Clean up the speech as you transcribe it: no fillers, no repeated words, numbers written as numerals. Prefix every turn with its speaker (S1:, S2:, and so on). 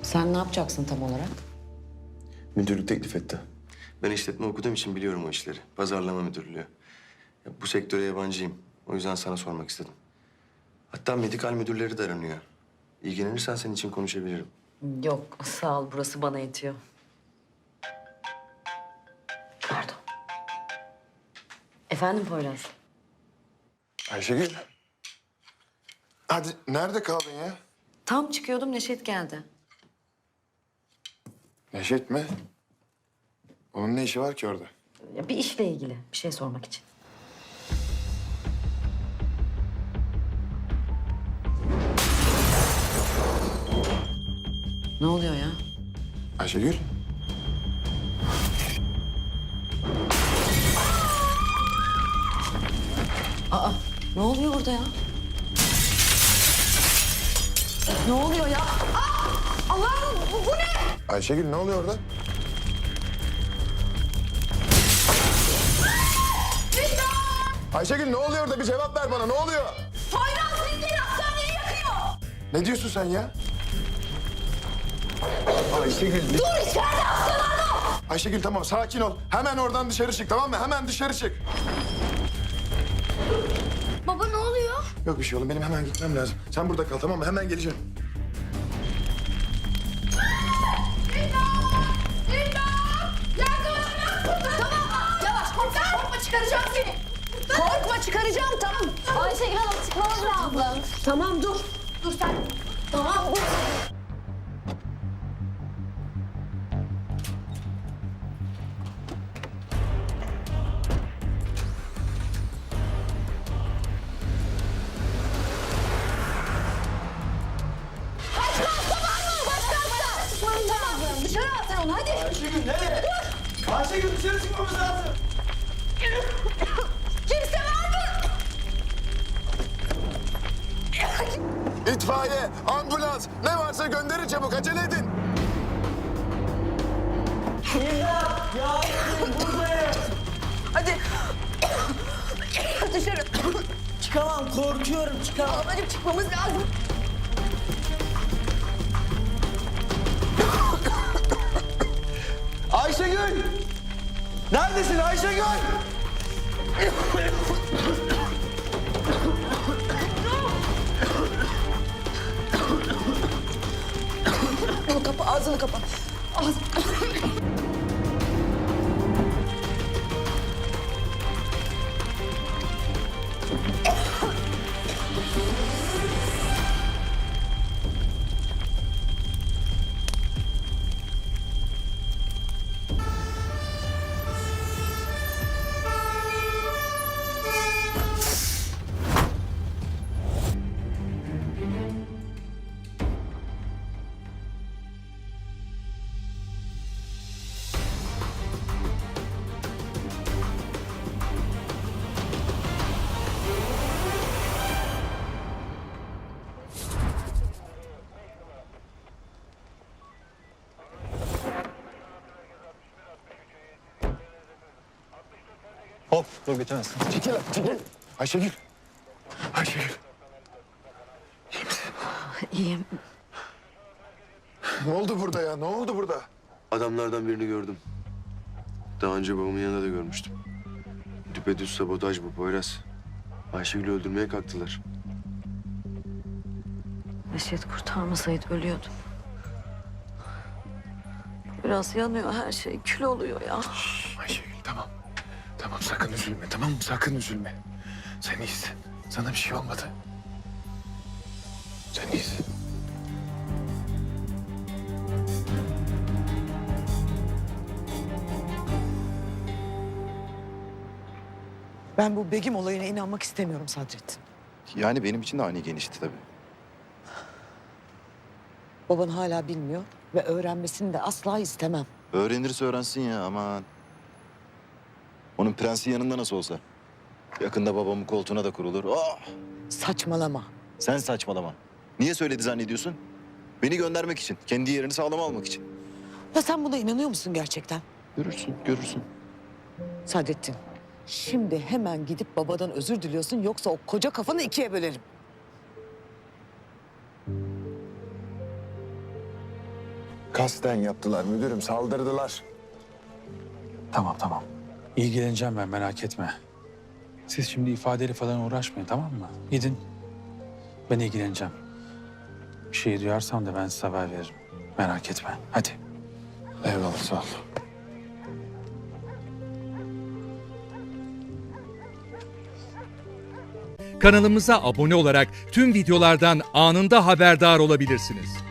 S1: Sen ne yapacaksın tam olarak?
S2: Müdürlük teklif etti. Ben işletme okuduğum için biliyorum o işleri. Pazarlama müdürlüğü. Ya, bu sektöre yabancıyım. O yüzden sana sormak istedim. Hatta medikal müdürleri de aranıyor. İlgilenirsen senin için konuşabilirim.
S1: Yok, sağ ol. Burası bana yetiyor. Pardon. Efendim Poyraz?
S3: Ayşegül. Hadi nerede kaldın ya?
S1: Tam çıkıyordum, Neşet geldi.
S3: Neşet mi? Onun ne işi var ki orada?
S1: Ya, bir işle ilgili bir şey sormak için. Ne oluyor ya?
S3: Ayşegül.
S1: Aa, ne oluyor burada ya? Ne oluyor ya? Aa! Allah'ım bu ne?
S3: Ayşegül ne oluyor orada? Ayşegül ne oluyor orada? Bir cevap ver bana. Ne oluyor?
S4: Poyraz bildiğin hastaneyi yakıyor.
S3: Ne diyorsun sen ya? Ayşegül.
S4: Dur içeride hastalanma.
S3: Ayşegül tamam sakin ol. Hemen oradan dışarı çık tamam mı? Hemen dışarı çık.
S4: Baba ne oluyor?
S3: Yok bir şey oğlum benim hemen gitmem lazım. Sen burada kal tamam mı? Hemen geleceğim.
S4: Tamam yavaş korkma çıkaracağım seni. Korkma çıkaracağım tamam. Ayşegül Hanım çıkmamız lazım. Tamam dur. Dur sen. Tamam dur. Başka hasta var mı? Başka hasta. Tamam dışarı at sen onu hadi.
S5: Ayşegül nereye? Ayşegül dışarı çıkmamız lazım.
S4: Kimse var mı?
S3: İtfaiye, ambulans ne varsa gönderin çabuk acele edin.
S4: Hadi. Dışarı.
S5: Çıkamam korkuyorum çıkamam.
S4: Ablacığım çıkmamız lazım.
S5: Ayşegül! Neredesin Ayşegül?
S4: Bunu kapa, ağzını kapa. Ağzını
S5: Hop dur bitemez.
S3: Çekil lan çekil. Ayşegül. Ayşegül.
S1: İyiyim.
S3: Ne oldu burada ya? Ne oldu burada?
S2: Adamlardan birini gördüm. Daha önce babamın yanında da görmüştüm. Düpedüz sabotaj bu Poyraz. Ayşegül'ü öldürmeye kalktılar.
S1: Neşet kurtarmasaydı ölüyordum. Biraz yanıyor her şey. Kül oluyor ya.
S3: Ayşegül tamam. Tamam sakın üzülme tamam mı? Sakın üzülme. Sen iyisin. Sana bir şey olmadı. Sen iyisin.
S6: Ben bu Begüm olayına inanmak istemiyorum Sadrettin.
S7: Yani benim için de ani genişti tabii.
S6: Baban hala bilmiyor ve öğrenmesini de asla istemem.
S7: Öğrenirse öğrensin ya aman. Onun prensi yanında nasıl olsa. Yakında babamın koltuğuna da kurulur. Oh!
S6: Saçmalama.
S7: Sen saçmalama. Niye söyledi zannediyorsun? Beni göndermek için. Kendi yerini sağlama almak için.
S6: Ya sen buna inanıyor musun gerçekten?
S7: Görürsün, görürsün.
S6: Sadrettin, şimdi hemen gidip babadan özür diliyorsun yoksa o koca kafanı ikiye bölerim.
S3: Kasten yaptılar müdürüm, saldırdılar.
S8: Tamam. İlgileneceğim ben, merak etme. Siz şimdi ifadeyle falan uğraşmayın, tamam mı? Gidin. Ben ilgileneceğim. Bir şey duyarsam da ben size haber veririm. Merak etme. Hadi.
S3: Eyvallah, sağ ol.
S9: Kanalımıza abone olarak tüm videolardan anında haberdar olabilirsiniz.